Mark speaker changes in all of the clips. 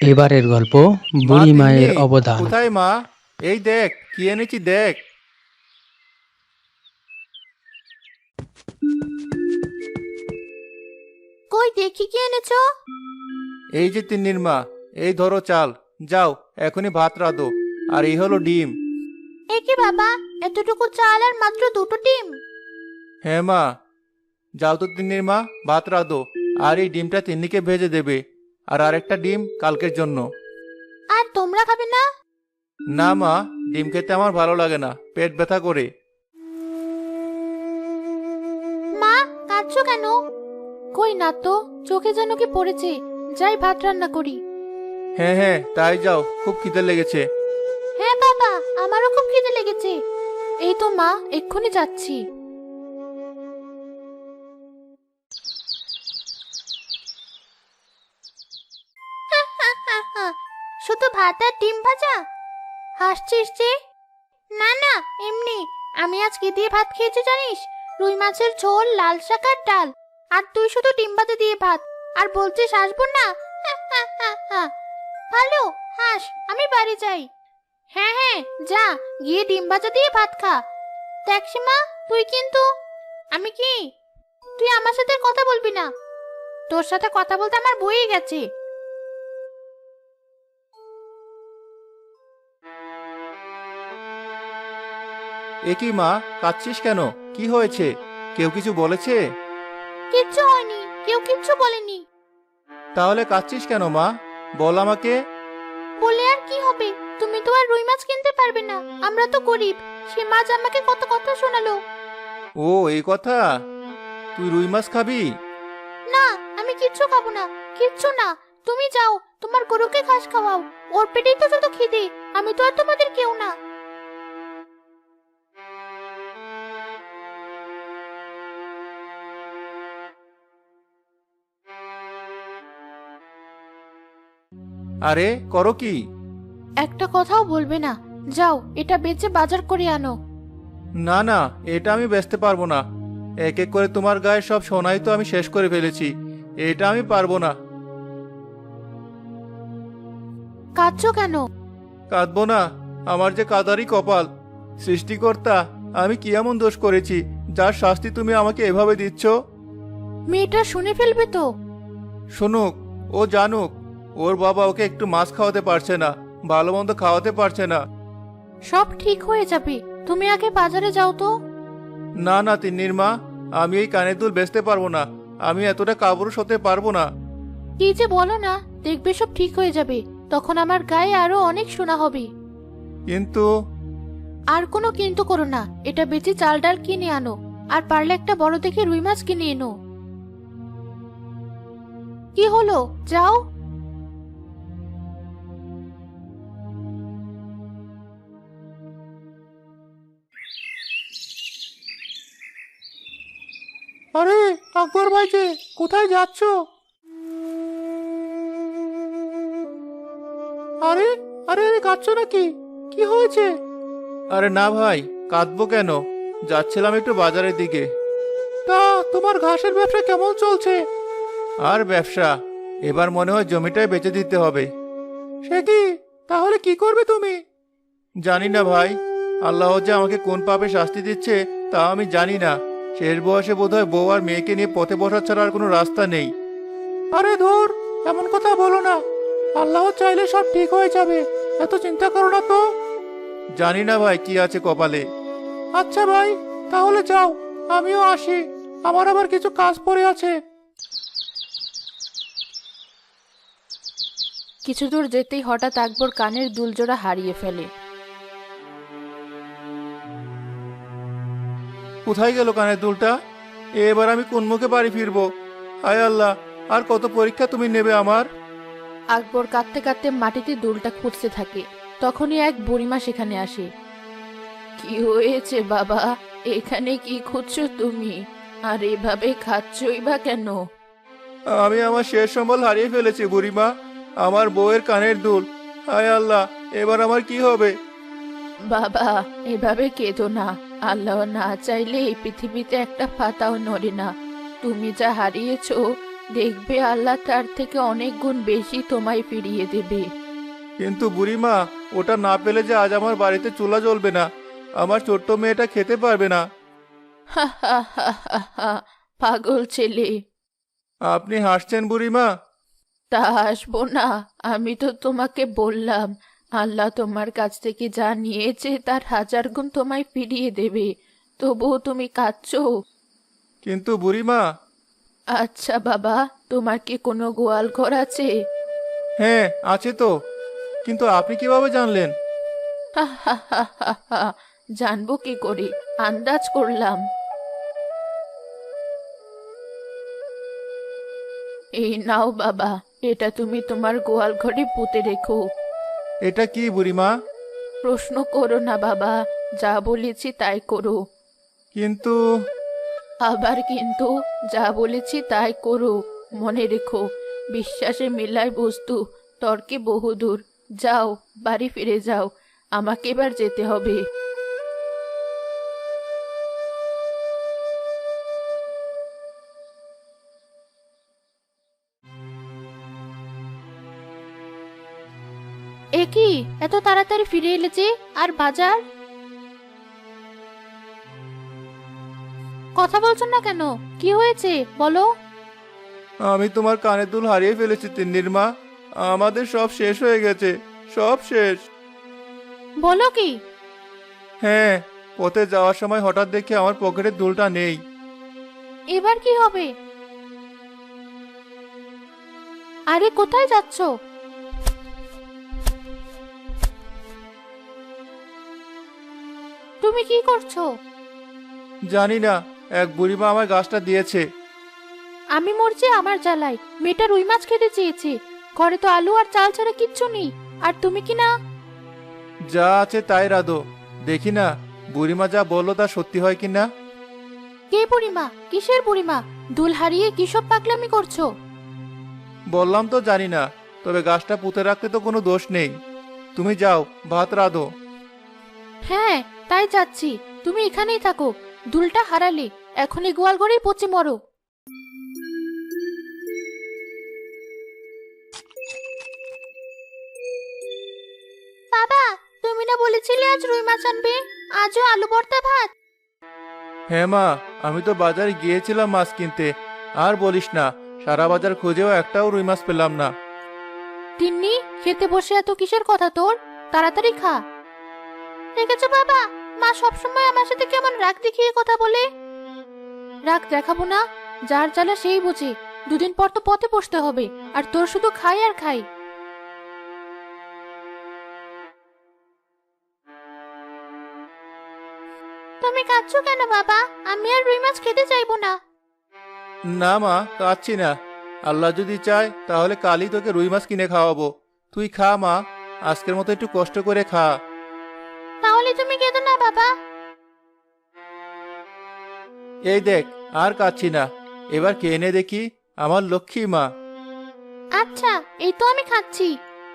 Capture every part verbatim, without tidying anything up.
Speaker 1: এবারের গল্প
Speaker 2: মা
Speaker 1: বুড়ি
Speaker 2: তিন্নি,
Speaker 1: মায়ের অবদান।
Speaker 2: কোথায় মা? এই দেখ কি এনেছি দেখ।
Speaker 3: কই দেখি কি এনেছো?
Speaker 2: এই যে তিন্নির মা, এই ধরো চাল। যাও, এখনই ভাত রাঁধো। আর এই হলো ডিম।
Speaker 3: এ কি বাবা, এতটুকু চাল আর মাত্র দুটো ডিম?
Speaker 2: হ্যাঁ মা, যাও তো তিন্নির মা, ভাত রাঁধো। আর এই ডিমটা তিন্নিকে ভেজে দেবে। আর আরেকটা ডিম কালকের জন্য।
Speaker 3: আর তোমরা খাবে না?
Speaker 2: না মা, ডিম খেতে আমার ভালো লাগে না, পেট ব্যথা করে।
Speaker 3: মা, কাঁদছো কেন? কই না তো, চোখে যেন কি পড়েছে। যাই ভাত রান্না করি।
Speaker 2: হ্যাঁ হ্যাঁ, তাই যাও, খুব খিদে লেগেছে।
Speaker 3: হ্যাঁ বাবা, আমারও খুব খিদে লেগেছে। এই তো মা, এক্ষুনি যাচ্ছি। শুধু ভাত আর ডিম ভাজা? হাসছিস যে? না না, এমনি। আমি আজ কি দিয়ে ভাত খেয়েছি জানিস? রুই মাছের ঝোল, লাল শাক আর ডাল। আর তুই শুধু ডিম ভাজা দিয়ে ভাত। আর বলছিস হাসবো না? ভালো, হাস। আমি বাড়ি যাই। হ্যাঁ হ্যাঁ, যা গিয়ে ডিম ভাজা দিয়ে ভাত খা। দেখ সীমা, তুই কিন্তু... আমি কি? তুই আমার সাথে আর কথা বলবি না। তোর সাথে কথা বলতে আমার বয়ে গেছে।
Speaker 2: এ কি মা, কাঁদছিস কেন? কি হয়েছে? কেউ কিছু বলেছে?
Speaker 3: কিচ্ছু হয়নি, কেউ কিচ্ছু বলেনি।
Speaker 2: তাহলে কাঁদছিস কেন মা? বল আমাকে।
Speaker 3: বলে আর কি হবে? তুমি তো আর রুই মাছ কিনতে পারবে না, আমরা তো গরিব। সে মাছ আমাকে কত কথা শোনালো।
Speaker 2: ও, এই কথা। তুই রুই মাছ খাবি?
Speaker 3: না, আমি কিচ্ছু খাবো না। কিচ্ছু না। তুমি যাও, তোমার গরুকে ঘাস খাওয়াও। ওর পেটেই তো শুধু খিদে। আমি তো আর তোমাদের কেউ না।
Speaker 2: আরে, করো কি?
Speaker 3: একটা কথাও বলবে না। যাও, এটা বেচে বাজার করে আনো।
Speaker 2: না না, এটা আমি বেচতে পারবো না। এক এক করে তোমার গায়ে সব সোনাই তো আমি শেষ করে ফেলেছি। এটা আমি পারবো না।
Speaker 3: কাঁদছো কেন?
Speaker 2: কাঁদবো না? আমার যে কাদারই কপাল। সৃষ্টিকর্তা, আমি কি এমন দোষ করেছি যার শাস্তি তুমি আমাকে এভাবে দিচ্ছ?
Speaker 3: মেয়েটা শুনে ফেলবে তো।
Speaker 2: শুনুক, ও জানুক। ওর বাবা ওকে একটু মাছ খাওয়াতে পারছে না, ভালো মন্দ খাওয়াতে পারছে না।
Speaker 3: সব ঠিক হয়ে যাবে। তুমি আগে বাজারে যাও তো।
Speaker 2: না না তিন্নির মা, আমি এই কানের দুল বেচতে পারবো না। আমি এতটা কাপুরুষ হতে পারবো না।
Speaker 3: কি যে বলো না, দেখবে সব ঠিক হয়ে যাবে। তখন আমার গায়ে আরো অনেক সোনা হবে।
Speaker 2: কিন্তু
Speaker 3: আর কোনো কিন্তু করো না। এটা বেচে চাল ডাল কিনে আনো। আর পারলে একটা বড় দেখে রুই মাছ কিনে এনো। কি হলো, যাও।
Speaker 2: আরে, আকবর ভাই যে, কোথায় যাচ্ছ? আরে আরে আরে, কাঁদছো নাকি? কি হয়েছে? আরে না ভাই, কাঁদবো কেন? যাচ্ছিলাম একটু বাজারের দিকে। তা তোমার ঘাসের ব্যবসা কেমন চলছে? আর ব্যবসা, এবার মনে হয় জমিটাই বেচে দিতে হবে। সে কি? তাহলে কি করবে তুমি? জানি না ভাই। আল্লাহ যে আমাকে কোন পাপে শাস্তি দিচ্ছে তা আমি জানি না। শেষ বয়সে বোধহয় বউ আর মেয়েকে নিয়ে পথে বসা ছাড়া আর কোনো রাস্তা নেই। আরে ধুর, এমন কথা বলো না। আল্লাহ চাইলে সব ঠিক হয়ে যাবে, এত চিন্তা করো না তো। জানি না ভাই কি আছে কপালে। আচ্ছা ভাই, তাহলে যাও, আমিও আসি। আমার আবার কিছু কাজ পড়ে আছে।
Speaker 3: কিছু দূর যেতেই হঠাৎ আকবর কানের দুলজোড়া হারিয়ে ফেলে।
Speaker 2: কোথায় গেল কানের দুলটা? এবার আমি কোন মুখে বাড়ি ফিরবো? হায় আল্লাহ, আর কত পরীক্ষা তুমি নেবে আমার?
Speaker 3: আকবর কাঁদতে কাঁদতে মাটিতে দুলটা খুঁজতে থাকে। তখনই এক বুড়িমা সেখানে আসে। কি হয়েছে বাবা? এখানে কি খুঁজছো তুমি? আর এভাবে খাচ্ছই বা কেন?
Speaker 2: আমি আমার শেষ সম্বল হারিয়ে ফেলেছি বুড়িমা। আমার বউয়ের কানের দুল। হায় আল্লাহ, এবার আমার কি হবে?
Speaker 3: বাবা, এভাবে কেঁদো না। আল্লাহ না চাইলে এই পৃথিবীতে একটা পাতাও নড়ে না। তুমি যা হারিয়েছো দেখবে আল্লাহ তার থেকে অনেক গুণ বেশি তোমায় ফিরিয়ে দেবে।
Speaker 2: কিন্তু বুড়িমা, ওটা না পেলে যে আজ আমার বাড়িতে চুলা জ্বলবে না, আমার ছোট্ট মেয়েটা খেতে পারবে না।
Speaker 3: হা হা হা হা হা, পাগল ছেলে।
Speaker 2: আপনি হাসছেন বুড়িমা?
Speaker 3: তা আসবো না? আমি তো তোমাকে বললাম আল্লাহ তোমার কাছ থেকে যা নিয়েছে তার হাজার গুণ তোমায় ফিরিয়ে দেবে, তবুও তুমি কাঁদছো।
Speaker 2: কিন্তু বুড়িমা।
Speaker 3: আচ্ছা বাবা, তোমার কি কোনো গোয়াল ঘর আছে?
Speaker 2: হ্যাঁ আছে তো, কিন্তু আপনি কিভাবে জানলেন?
Speaker 3: হা হা হা হা হা, জানবো কি করে, আন্দাজ করলাম। এই নাও বাবা, এটা তুমি তোমার গোয়াল ঘরে পুঁতে রেখো।
Speaker 2: এটা কি বুড়িমা?
Speaker 3: প্রশ্ন করো না বাবা, যা বলেছি তাই করো।
Speaker 2: কিন্তু
Speaker 3: আবার কিন্তু? যা বলেছি তাই করো, মনে রেখো, বিশ্বাসে মেলায় বস্তু, তর্কে বহুদূর। যাও, বাড়ি ফিরে যাও, আমাকে এবার যেতে হবে। এ কি, এত তাড়াতাড়ি ফিরে এলে যে? আর বাজার? কথা বলছো না কেন? কি হয়েছে বলো।
Speaker 2: আমি তোমার কানের দুল হারিয়ে ফেলেছি তিন্নির মা। আমাদের সব শেষ হয়ে গেছে, সব শেষ।
Speaker 3: বলো কি?
Speaker 2: হ্যাঁ, পথে যাওয়ার সময় হঠাৎ দেখি আমার পকেটের দুলটা নেই।
Speaker 3: এবার কি হবে? আরে কোথায় যাচ্ছো? তুমি কি করছো?
Speaker 2: জানি না, এক বুড়িমা আমার গাছটা দিয়েছে।
Speaker 3: আমি মরছি আমার জ্বালায়, মেয়েটা রুই মাছ খেতে চেয়েছে। ঘরে তো আলু আর চাল ছাড়া কিচ্ছু নেই, আর তুমি কি না?
Speaker 2: যা আছে তাই রাধো, দেখি না বুড়িমা যা বললো তা সত্যি হয় কিনা।
Speaker 3: কে বুড়িমা? কিসের বুড়িমা? দুল হারিয়ে কি সব পাগলামি করছো?
Speaker 2: বললাম তো জানি না, তবে গাছটা পুঁতে রাখতে তো কোনো দোষ নেই। তুমি যাও, ভাত রাধো।
Speaker 3: হ্যাঁ, তাই যাচ্ছি। তুমি এখানেই থাকো, দুলটা হারালে এখনই গোয়াল ঘরেই পচে মরো। বাবা, তুমি না বলেছিলে আজ রুই মাছ আনবে? আজও আলু ভর্তা ভাত।
Speaker 2: হ্যাঁ মা, আমি তো বাজারে গিয়েছিলাম মাছ কিনতে। আর বলিস না, সারা বাজার খুঁজেও একটাও রুই মাছ পেলাম না।
Speaker 3: তিন্নি, খেতে বসে এত কিসের কথা তোর? তাড়াতাড়ি খা। দেখেছো বাবা, মা সবসময় আমার সাথে কেমন রাগ দেখিয়ে কথা বলে। রাগ দেখাবো না, যার জ্বালা সেই বুঝে। দুদিন পর তো পথে বসতে হবে, আর তোর শুধু খাই আর খাই। তুমি কাঁদছো কেন বাবা? আমি আর রুই মাছ খেতে চাইবো না।
Speaker 2: না মা, কাচ্ছি না। আল্লাহ যদি চায় তাহলে কালই তোকে রুই মাছ কিনে খাওয়াবো। তুই খা মা, আজকের মতো একটু কষ্ট করে খা।
Speaker 3: তাহলে তুমি কেঁদো না বাবা।
Speaker 2: এই দেখ, আর কাচ্ছি না। এবার কে এনে দেখি, আমার লক্ষ্মী মা।
Speaker 3: আচ্ছা, এই তো আমি খাচ্ছি।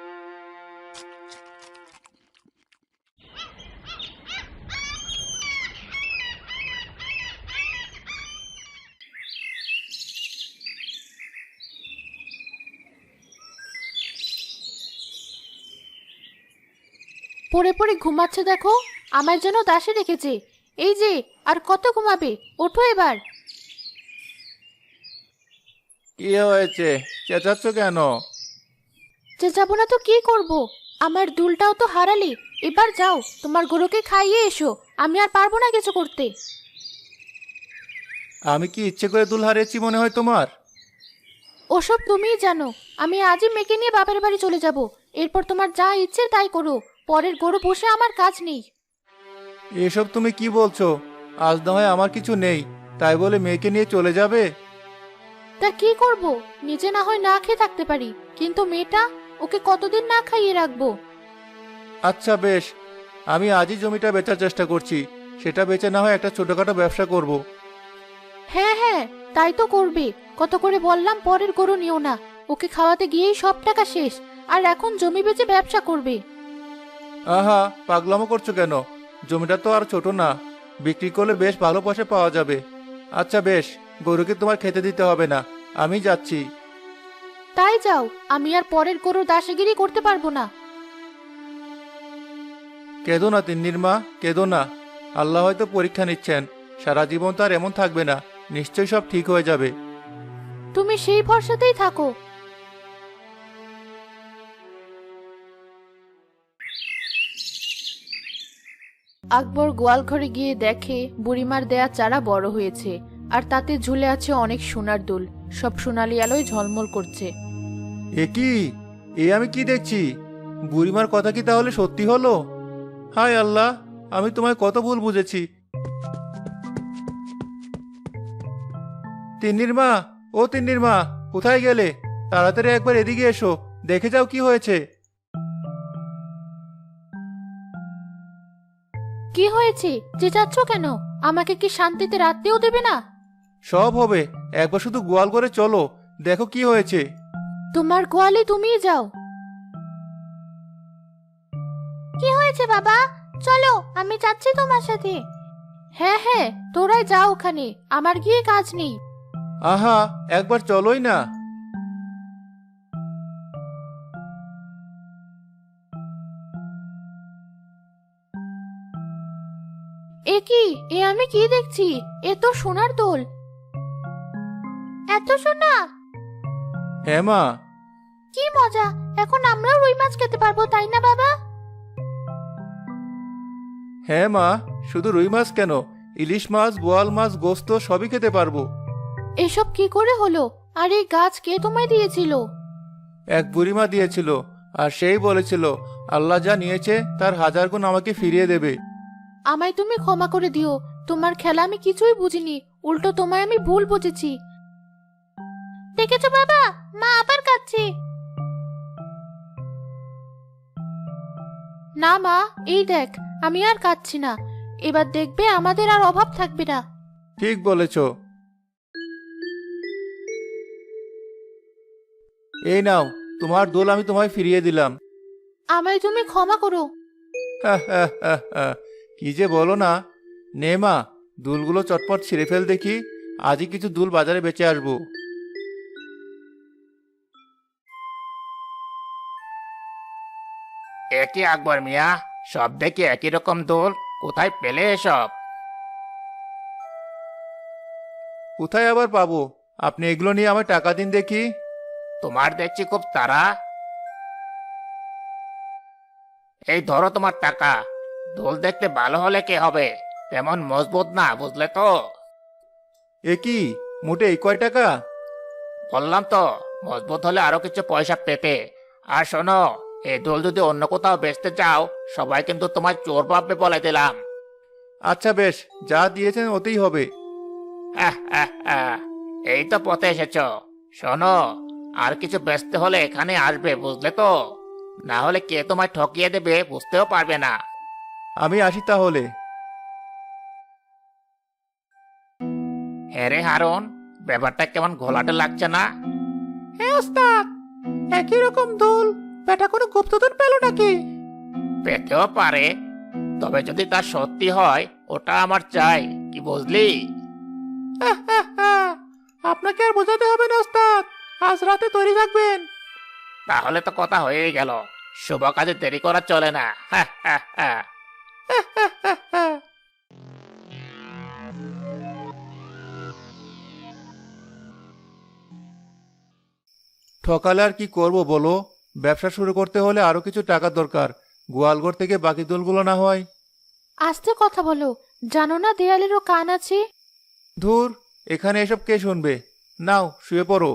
Speaker 3: পড়ে পড়ে ঘুমাচ্ছে দেখো, আমার যেন দাসে রেখেছে। এই যে, আর কত ঘুমাবে? ওঠো এবার।
Speaker 2: কি হয়েছে, চেঁচাচ্ছ কেন?
Speaker 3: যে যাবো না তো কি করব? আমার দুলটাও তো হারালে। এবার যাও, তোমার গরুকে খাইয়ে এসো। আমি আর পারবো না কিছু করতে।
Speaker 2: আমি কি ইচ্ছে করে দুল হারিয়েছি মনে হয় তোমার?
Speaker 3: ওসব তুমিই জানো। আমি আজই মেয়েকে নিয়ে বাপের বাড়ি চলে যাব। এরপর তোমার যা ইচ্ছে তাই করো। পরের গরু বসে আমার কাজ নেই।
Speaker 2: এসব তুমি কি বলছো? আজ না হয় আমার কিছু নেই, তাই বলে মেয়েকে নিয়ে চলে যাবে?
Speaker 3: তা কি করব? নিজে না হয় না খেয়ে থাকতে পারি, কিন্তু মেয়েটা, ওকে কতদিন না খাইয়ে রাখবো?
Speaker 2: আচ্ছা বেশ, আমি আজই জমিটা বেচার চেষ্টা করছি। সেটা বেচে না হয় একটা ছোটখাটো ব্যবসা করব।
Speaker 3: হ্যাঁ হ্যাঁ, তাই তো করবে। কত করে বললাম পরের গরু নিও না। ওকে খাওয়াতে গিয়েই সব টাকা শেষ, আর এখন জমি বেচে ব্যবসা করবে।
Speaker 2: আহা, পাগলামো করছো কেন? জমিটা তো আর ছোট না, বিক্রি করলে বেশ ভালো পয়সা পাওয়া যাবে। আচ্ছা বেশ, গরুকে তোমার খেতে দিতে হবে না, আমি যাচ্ছি।
Speaker 3: তাই যাও, আমি আর পরের গরুর দাসগিরি করতে পারবো না।
Speaker 2: কেঁদো না তিন্নির মা, কেঁদো না। আল্লাহ হয়তো পরীক্ষা নিচ্ছেন, সারা জীবন তো আর এমন থাকবে না, নিশ্চয়ই সব ঠিক হয়ে যাবে।
Speaker 3: তুমি সেই ভরসাতেই থাকো। আকবর গোয়াল ঘরে গিয়ে দেখে বুড়িমার দেয়া চারা বড় হয়েছে, আর তাতে ঝুলে আছে অনেক সোনার দুল, সব সোনালি আলোয় ঝলমল করছে।
Speaker 2: এ কি, এ আমি কি দেখছি? বুড়িমার কথা কি তাহলে সত্যি হলো? হায় আল্লাহ, আমি তোমায় কত ভুল বুঝেছি। তিন্নির মা, ও তিন্নির মা, কোথায় গেলে? তাড়াতাড়ি একবার এদিকে এসো, দেখে যাও কি হয়েছে।
Speaker 3: কি হয়েছে? চেঁচাচ্ছ কেন? আমাকে কি শান্তিতে রাখতেও দেবে না?
Speaker 2: সব হবে, একবার শুধু গোয়াল করে চলো, দেখো কি হয়েছে।
Speaker 3: তোমার গোয়ালে তুমিই যাও। কি হয়েছে বাবা? চলো, আমি যাচ্ছি তোমার সাথে। হ্যাঁ হ্যাঁ, তোরাই যাও ওখানে, আমার গিয়ে কাজ নেই।
Speaker 2: আহা, একবার চলোই না।
Speaker 3: এ কি, এ আমি কি দেখছি? এ তো সোনার দোল। এত সোনা!
Speaker 2: হ্যাঁ মা।
Speaker 3: কি মজা! এখন আমরাও রুই মাছ খেতে পারবো, তাই না বাবা?
Speaker 2: হ্যাঁ মা, শুধু রুই মাছ কেন, ইলিশ মাছ, বোয়াল মাছ, গোস্ত সবই খেতে পারবো।
Speaker 3: এসব কি করে হলো? আর এই গাছ কে তোমায় দিয়েছিল?
Speaker 2: এক বুড়িমা দিয়েছিল, আর সেই বলেছিল আল্লাহ যা নিয়েছে তার হাজার গুণ আমাকে ফিরিয়ে দেবে।
Speaker 3: আমায় তুমি ক্ষমা করে দিও, তোমার খেলা আমি কিছুই বুঝিনি, উল্টো তোমায় আমি ভুল বুঝেছি। দেখেছো বাবা, মা আবার কাঁদছে। না মা, এই দেখ, আমি আর কাঁদছি না। এবার দেখবে আমাদের আর অভাব থাকবে না।
Speaker 2: ঠিক বলেছ। এই নাও, তোমার দোল আমি তোমায় ফিরিয়ে দিলাম।
Speaker 3: আমায় তুমি ক্ষমা করো।
Speaker 2: কি যে বলো না। নে মা, দুলগুলো চটপট ছিঁড়ে ফেল দেখি, আজই কিছু দুল বাজারে বেচে আসবো।
Speaker 1: একই আকবর মিয়া, সব দেখি একই রকম দোল, কোথায় পেলে এসব?
Speaker 2: কোথায় আবার পাবো? আপনি এগুলো নিয়ে আমায় টাকা দিন দেখি।
Speaker 1: তোমার দেখছি খুব তাড়া। এই ধরো তোমার টাকা। দোল দেখতে ভালো হলে কে হবে, তেমন মজবুত না, বুঝলে তো?
Speaker 2: এ কি, মোটে এই কয় টাকা?
Speaker 1: বললাম তো, মজবুত হলে আরো কিছু পয়সা পেতে। আর শোনো, এই দোল যদি অন্য কোথাও বেচতে চাও, সবাই কিন্তু তোমার চোর ভাববে, বলে দিলাম।
Speaker 2: আচ্ছা বেশ, যা দিয়েছেন ওতেই হবে।
Speaker 1: হ্যাঁ হ্যাঁ হ্যাঁ, এই তো পথে এসেছো। শোনো, আর কিছু বেচতে হলে এখানে আসবে, বুঝলে তো? না হলে কে তোমায় ঠকিয়ে দেবে বুঝতেও পারবে না।
Speaker 2: আমি আসি তাহলে।
Speaker 1: হ্যাঁ রে হারুন, ব্যাপারটা কেমন ঘোলাটে লাগছে না?
Speaker 2: হ্যাঁ ওস্তাদ, একই রকম দোল, বেটা কোনো গুপ্তধন পেল নাকি?
Speaker 1: পেতেও পারে, তবে যদি তা সত্যি হয় ওটা আমার চাই, কি বুঝলি?
Speaker 2: আপনাকে আর বোঝাতে হবে না ওস্তাদ, আজ রাতে তৈরি থাকবেন।
Speaker 1: তাহলে তো কথা হয়েই গেল, শুভ কাজে দেরি করা চলে না। হ্যাঁ হ্যাঁ হ্যাঁ।
Speaker 2: ঠকালে আর কি করব বলো? ব্যবসা শুরু করতে হলে আরো কিছু টাকা দরকার, গোয়ালঘর থেকে বাকি দোলগুলো না হয়।
Speaker 3: আস্তে কথা বলো, জানো না দেয়ালেরও কান আছে?
Speaker 2: ধুর, এখানে এসব কে শুনবে? নাও শুয়ে পড়ো।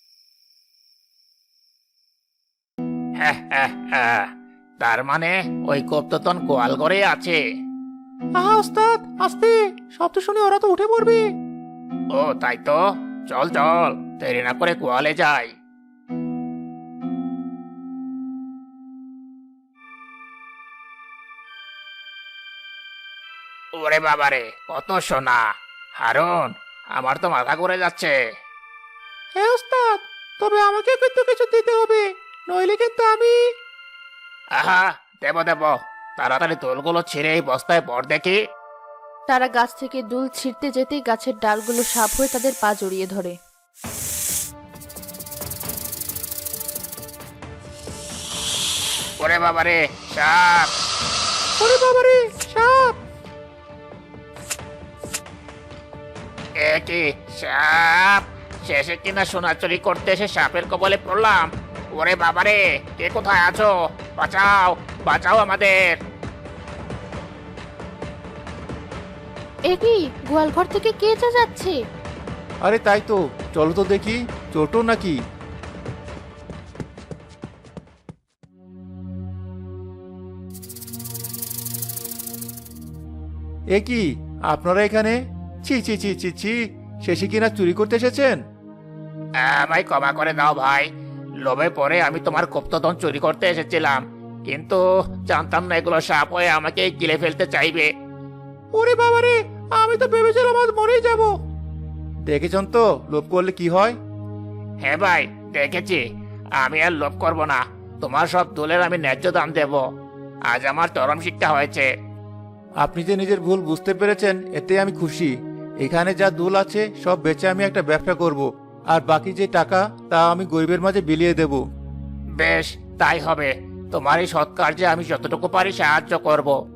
Speaker 1: হ্যাঁ হ্যাঁ হ্যাঁ, তার মানে ওই গুপ্তধন গোয়াল ঘরে আছে?
Speaker 2: আহা ওস্তাদ, আস্তে, শব্দ শুনে ওরা তো উঠে পড়বে।
Speaker 1: ও তাই তো, চল চল, দেরি না করে গোয়ালে যাই। ওরে বাবারে, কত সোনা! হারুন, আমার তো মাথা ঘুরে যাচ্ছে।
Speaker 2: হ্যাঁ ওস্তাদ, তবে আমাকে কিন্তু কিছু দিতে হবে, নইলে কিন্তু আমি।
Speaker 1: আহা, দেব দেব, তাড়াতাড়ি দোলগুলো ছিঁড়ে এই বস্তায় ভর দেখি।
Speaker 3: তারা গাছ থেকে দুল ছিঁড়তে যেতেই গাছের ডালগুলো সাপ হয়ে তাদের পা জড়িয়ে ধরে।
Speaker 1: ওরে বাবারে সাপ!
Speaker 2: ওরে বাবারে সাপ!
Speaker 1: এ কি সাপ? শেষে কিনা সোনা চুরি করতে এসে সাপের কবলে পড়লাম। ওরে বাবারে, কে কোথায় আছো? বাঁচাও, বাঁচাও আমাদের!
Speaker 3: এ কি গোয়াল ঘর থেকে কে যা যাচ্ছে?
Speaker 2: আরে তাই তো, চলো তো দেখি ছোট নাকি। এ কি আপনারা এখানে? ছি ছি ছি ছি ছি, শেষে কিনা চুরি করতে এসেছেন?
Speaker 1: আমায় ক্ষমা করে দাও ভাই। লোভে পড়ে আমি তোমার গুপ্তধন চুরি করতে এসেছিলাম, কিন্তু জানতাম না এগুলো সাপ হয়ে আমাকে গিলে ফেলতে চাইবে।
Speaker 2: ওরে বাবারে, আমি তো ভেবেছিলাম আজ মরেই যাব। দেখেছেন তো লোভ করলে কি হয়।
Speaker 1: হ্যাঁ ভাই, দেখেছি। আমি আর লোভ করব না। তোমার সব দোলের আমি ন্যায্য দাম দেব। আজ আমার চরম শিক্ষা হয়েছে।
Speaker 2: আপনি যে নিজের ভুল বুঝতে পেরেছেন এতে আমি খুশি। এখানে যা দুল আছে সব বেচে আমি একটা ব্যবসা করব, আর বাকি যে টাকা তা আমি গরিবের মাঝে বিলিয়ে দেব।
Speaker 1: বেশ, তাই হবে। তোমার এই সৎ কার্যে আমি যতটুকু পারি সাহায্য করব।